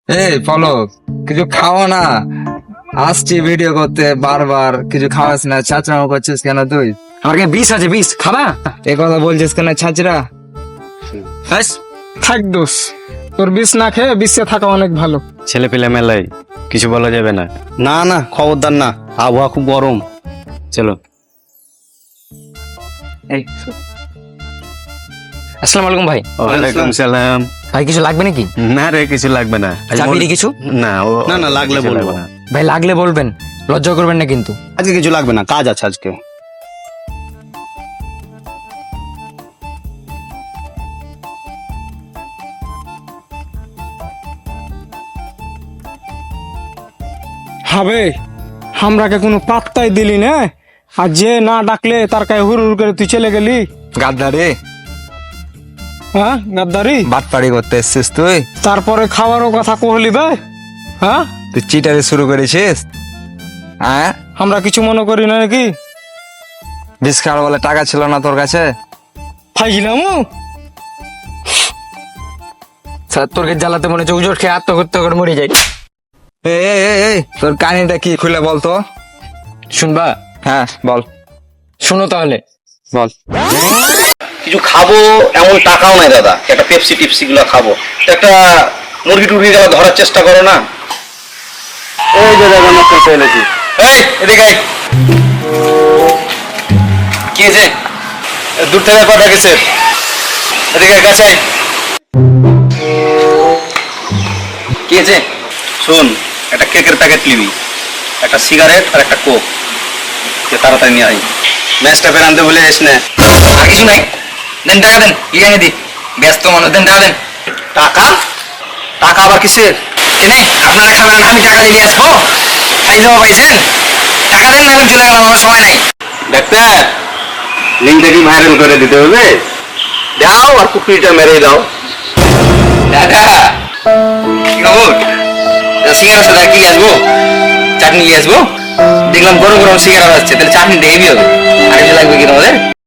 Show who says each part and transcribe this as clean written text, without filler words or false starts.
Speaker 1: এই পলক, কিছু খাওয়া না। আসছি ভিডিও করতে, বারবার কিছু খাওয়াস না, ছাচড়ামো করছিস কেন তুই?
Speaker 2: আমার কাছে বিষ আছে, বিষ খাবা?
Speaker 1: এ কথা বলছিস কেন ছাচড়া?
Speaker 2: ব্যাস,
Speaker 3: থাক দোষ, তোর বিষ না খেয়ে বিশ্বে থাকা অনেক ভালো।
Speaker 2: ছেলে পেলে মেলায় কিছু বলা যাবে না।
Speaker 4: না না, খবরদার না, আবহাওয়া খুব গরম।
Speaker 2: চলো। এই আসসালামু আলাইকুম ভাই।
Speaker 4: ওয়ালাইকুম
Speaker 2: সালাম। ভাই কিছু লাগবে নাকি?
Speaker 4: না রে, কিছু লাগবে না।
Speaker 2: চাবি কিছু?
Speaker 4: না না না, লাগলে
Speaker 2: কিছু
Speaker 4: বলবো
Speaker 2: লাগবে না। ভাই লাগলে বলবেন, লজ্জা করবেন না কিন্তু।
Speaker 4: আজকে কিছু লাগবে না, কাজ আছে আজকে।
Speaker 3: হবে আমরাকে কোনো পাত্তাই দিলি না, আর যে না ডাকলে তার কাছে হুর হুর করে তুই চলে গেলি।
Speaker 1: গাদ্দারি,
Speaker 3: হ্যাঁ গাদ্দারি।
Speaker 1: বাটপাড়ি করতে এসছিস তুই?
Speaker 3: তারপরে খাওয়ারও কথা কহলি বে। হ্যাঁ,
Speaker 1: তুই চিটারি শুরু করেছিস? হ্যাঁ,
Speaker 3: আমরা কিছু মনে করি না নাকি?
Speaker 1: বিষ খাওয়ার বলে টাকা ছিল না তোর কাছে?
Speaker 3: ফাইছিলাম
Speaker 2: স্যার তোর কাছে জ্বালাতে মনে হচ্ছে উজোর খেয়ে আত্মহত্যা করে মরে যাই।
Speaker 1: এই, তোর কাহিনীটা কি খুলে বলতো?
Speaker 2: শুনবা?
Speaker 1: হ্যাঁ বল।
Speaker 2: শুনো তাহলে।
Speaker 1: বল।
Speaker 4: কিছু খাবো এমন টাকাও নাই দাদা, একটা পেপসি টিপসি গুলো খাবো। তো একটা মুরগি টুরগি গেলে ধরার চেষ্টা করো না। এই যে দেখো নষ্ট ফেলেছি। এই এদিকে আয়। কি হয়েছে? দূর থেকে কথা গেছে, এদিকে আয়, কাছে আয়। কি হয়েছে? শোন, একটা কেকের প্যাকেট নিবি, একটা সিগারেট আর একটা কোক। তাড়াতাড়ি নিয়ে আয়। ম্যাচটা ফের আনতে ভুলে যাস না।
Speaker 2: আর কিছু নাই, দেন টাকা দেন, কি জানি দি ব্যস্ত মানুষ, দেন টাকা দেন।
Speaker 4: টাকা? টাকা আবার কিসের?
Speaker 2: কেনে আপনারা খাবেন, আমি টাকা দিয়ে আসবো? খাই যাবো পাইছেন? টাকা দেন, না চলে গেলাম, আমার সময় নাই।
Speaker 4: ডাক্তার, লিঙ্কটা কি ভাইরাল করে দিতে হবে? দাও আর কুকুরটা মেরে দাও।
Speaker 2: দাদা কি খবর? সিঙ্গারা সাথে কি আসবো? চাটনি নিয়ে আসবো? দেখলাম গরম গরম সিঙ্গারা আসছে, তাহলে চাটনি হেভি হবে। আর কিছু লাগবে কি তোমাদের?